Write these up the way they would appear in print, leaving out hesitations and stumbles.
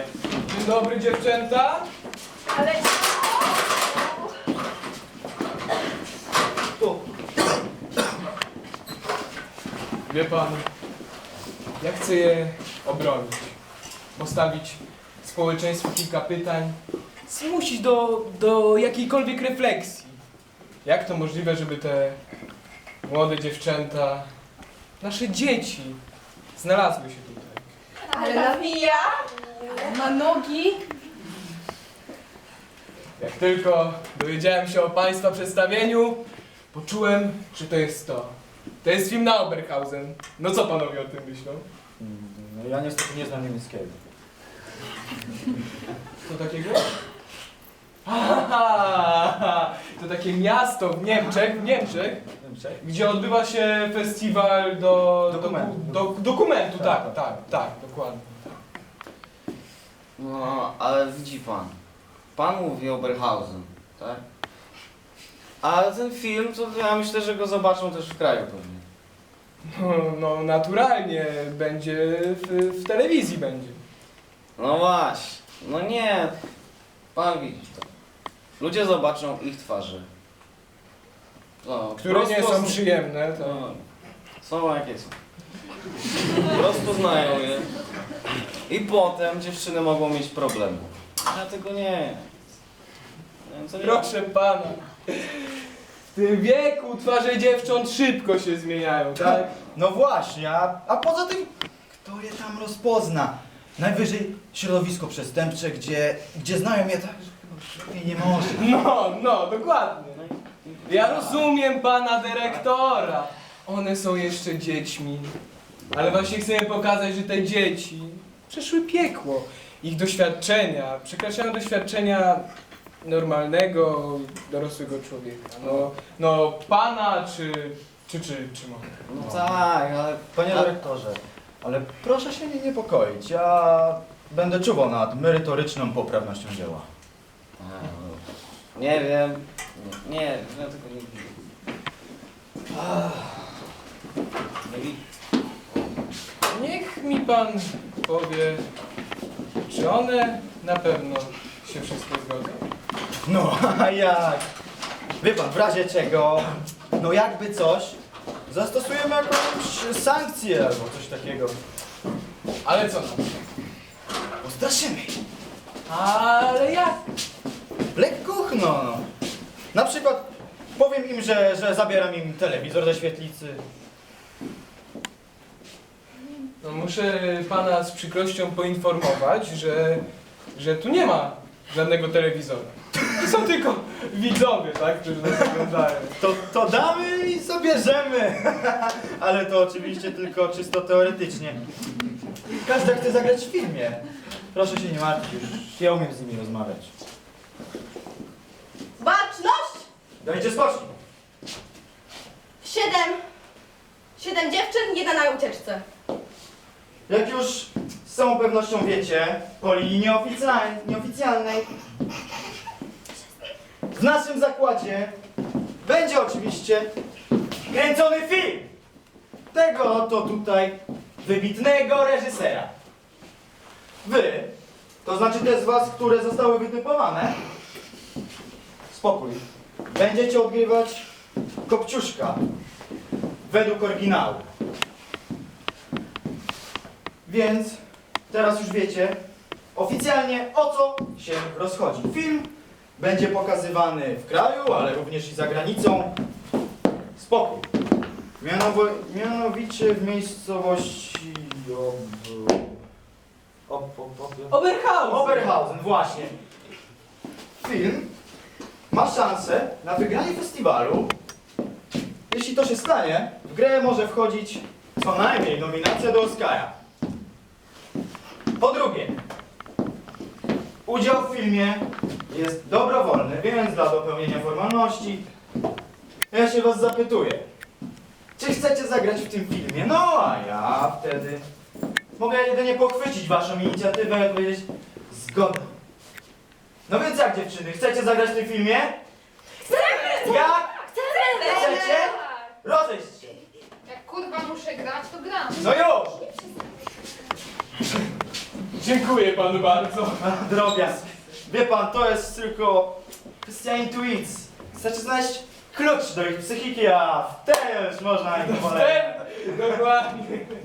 Dzień dobry, dziewczęta. Ale... Tu. Wie pan, ja chcę je obronić, postawić społeczeństwu kilka pytań, zmusić do jakiejkolwiek refleksji. Jak to możliwe, żeby te młode dziewczęta, nasze dzieci, znalazły się tutaj? Ale nawija, ma nogi. Jak tylko dowiedziałem się o państwa przedstawieniu, poczułem, że to jest to. To jest film na Oberhausen. No co panowie o tym myślą? No ja niestety nie znam niemieckiego. Co takiego? Aha, to takie miasto w Niemczech, gdzie odbywa się festiwal dokumentu, tak, dokładnie. No, ale widzi pan. Pan mówi Oberhausen, tak? Ale ten film, to ja myślę, że go zobaczą też w kraju pewnie. No naturalnie, będzie w telewizji będzie. No właśnie, no nie. Pan widzi to. Ludzie zobaczą ich twarze. No, Które nie są przyjemne, to... No, są jakie są. Po prostu znają je. I potem dziewczyny mogą mieć problemy. Ja tego nie. Co nie. Proszę pana, w tym wieku twarze dziewcząt szybko się zmieniają, tak? No właśnie, a poza tym, kto je tam rozpozna? Najwyżej środowisko przestępcze, gdzie znają je tak, że chyba lepiej nie może. No, dokładnie. Ja rozumiem pana dyrektora. One są jeszcze dziećmi. Ale właśnie chcemy pokazać, że te dzieci przeszły piekło. Ich doświadczenia przekraczają doświadczenia normalnego, dorosłego człowieka. No pana czy mogę? No tak, ale Panie dyrektorze, ale proszę się nie niepokoić, ja będę czuwał nad merytoryczną poprawnością dzieła. nie wiem. Nie, ja tego nie widzę. Nie widzę. Niech mi pan powie, czy one na pewno się wszystko zgodzą? No, a jak? Wie pan, w razie czego, no jakby coś, zastosujemy jakąś sankcję albo coś takiego. Ale co nam? Postraszymy. Ale jak? Lekkuchno, no. Na przykład powiem im, że zabieram im telewizor ze świetlicy. No muszę pana z przykrością poinformować, że tu nie ma żadnego telewizora. To są tylko widzowie, tak, którzy nas oglądają. To damy i zabierzemy. Ale to oczywiście tylko czysto teoretycznie. Każdy chce zagrać w filmie. Proszę się nie martwić, już ja umiem z nimi rozmawiać. Baczność! Dajcie spocznij. 7 dziewczyn, 1 na ucieczce. Jak już z całą pewnością wiecie, po linii nieoficjalnej w naszym zakładzie będzie oczywiście kręcony film tego oto tutaj wybitnego reżysera. Wy, to znaczy te z was, które zostały wytypowane, spokój, będziecie odgrywać Kopciuszka według oryginału. Więc teraz już wiecie oficjalnie, o co się rozchodzi. Film będzie pokazywany w kraju, ale również i za granicą. Spokój. Mianowicie w miejscowości Oberhausen! Oberhausen, właśnie. Film ma szansę na wygranie festiwalu. Jeśli to się stanie, w grę może wchodzić co najmniej nominacja do Oscara. Po drugie, udział w filmie jest dobrowolny, więc dla dopełnienia formalności ja się was zapytuję, czy chcecie zagrać w tym filmie? No a ja wtedy mogę jedynie pochwycić waszą inicjatywę i powiedzieć zgoda. No więc jak dziewczyny, chcecie zagrać w tym filmie? Chcemy! Jak? Chcemy! Chcecie? Rozejść się. Jak kurwa muszę grać, to gram. No już! Dziękuję panu bardzo. Drobiazg. Wie pan, to jest tylko kwestia intuicji. Wystarczy znaleźć klucz do ich psychiki, a wtedy już można ich polecić. Dokładnie.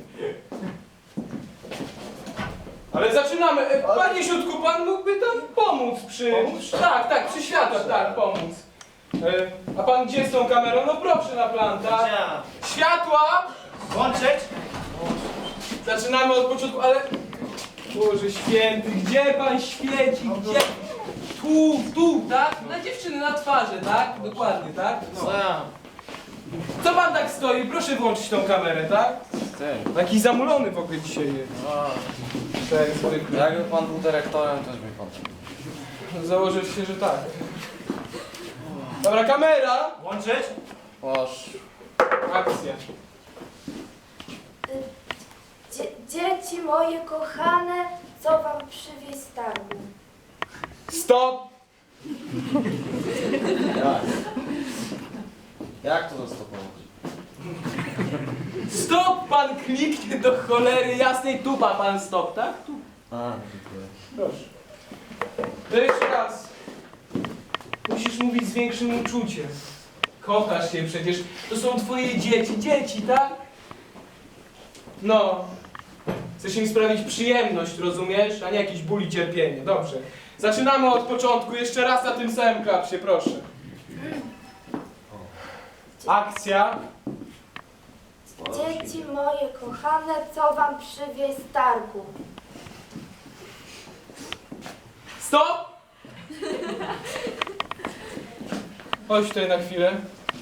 Ale zaczynamy. Panie Siutku, pan mógłby tam pomóc przy... Tak, przy światłach, tak, pomóc. A pan gdzie z tą kamerą? No proszę na plan, tak? Światła! Włączyć? Zaczynamy od początku, ale... Boże święty, gdzie pan świeci? Gdzie? Tu, tak? Na dziewczyny, na twarzy, tak? Dokładnie, tak? Co ja? Co pan tak stoi? Proszę włączyć tą kamerę, tak? Ty. Taki zamulony w ogóle dzisiaj jest. Tak, zwykle. Jakby pan był dyrektorem, też by pan. Założę się, że tak. Dobra, kamera! Włączyć? Proszę. Akcja. Dzieci moje kochane, co wam przywieźć z targu? Stop! Jak to zastopować? Stop! Pan kliknie do cholery jasnej, tupa pan stop, tak? Tu. A, dziękuję. Proszę. To jeszcze raz. Musisz mówić z większym uczuciem. Kochasz je przecież. To są twoje dzieci, tak? No. Chcesz im sprawić przyjemność, rozumiesz? A nie jakiś ból i cierpienie. Dobrze. Zaczynamy od początku. Jeszcze raz na tym samym klapsie, proszę. Akcja. Dzieci moje kochane, co wam przywieźć z targu? Stop! Chodź tutaj na chwilę.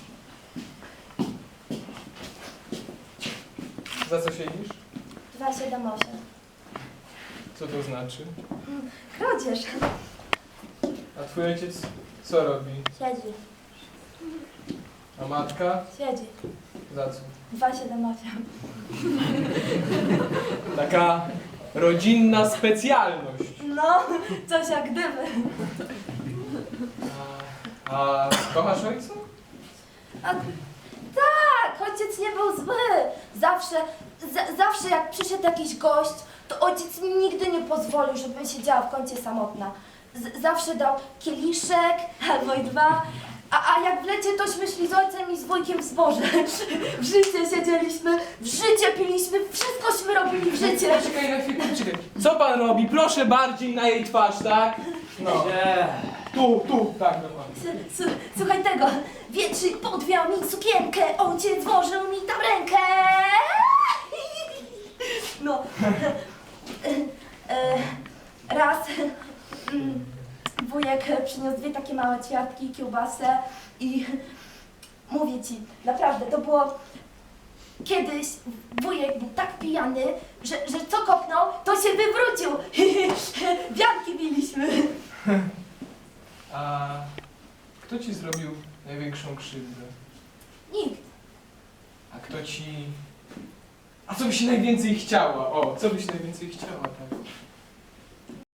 Za co siedzisz? 278. Co to znaczy? Kradzież. A twój ojciec co robi? Siedzi. A matka? Siedzi. Za co? 278. Taka rodzinna specjalność. No, coś jak gdyby. A kochasz ojca? A, tak, ojciec nie był zły. Zawsze jak przyszedł jakiś gość, to ojciec mi nigdy nie pozwolił, żebym siedziała w kącie samotna. Zawsze dał kieliszek albo i dwa. A jak w lecie tośmy szli z ojcem i z wujkiem w zboże. W życie siedzieliśmy, w życie piliśmy, wszystkośmy robili w życie. Czekaj na chwilę, czekaj. Co pan robi? Proszę bardziej na jej twarz, tak? No. Tu, tak, dokładnie. Słuchaj tego, wietrzyk podwiał mi sukienkę, ojciec włożył mi tam rękę. No. Raz wujek przyniósł 2 takie małe ćwiartki, kiełbasę i mówię ci, naprawdę, to było kiedyś wujek był tak pijany, że co kopnął, to się wywrócił. Wianki biliśmy. A kto ci zrobił największą krzywdę? Nikt. A kto ci... A co byś najwięcej chciała? O, co byś najwięcej chciała, tak?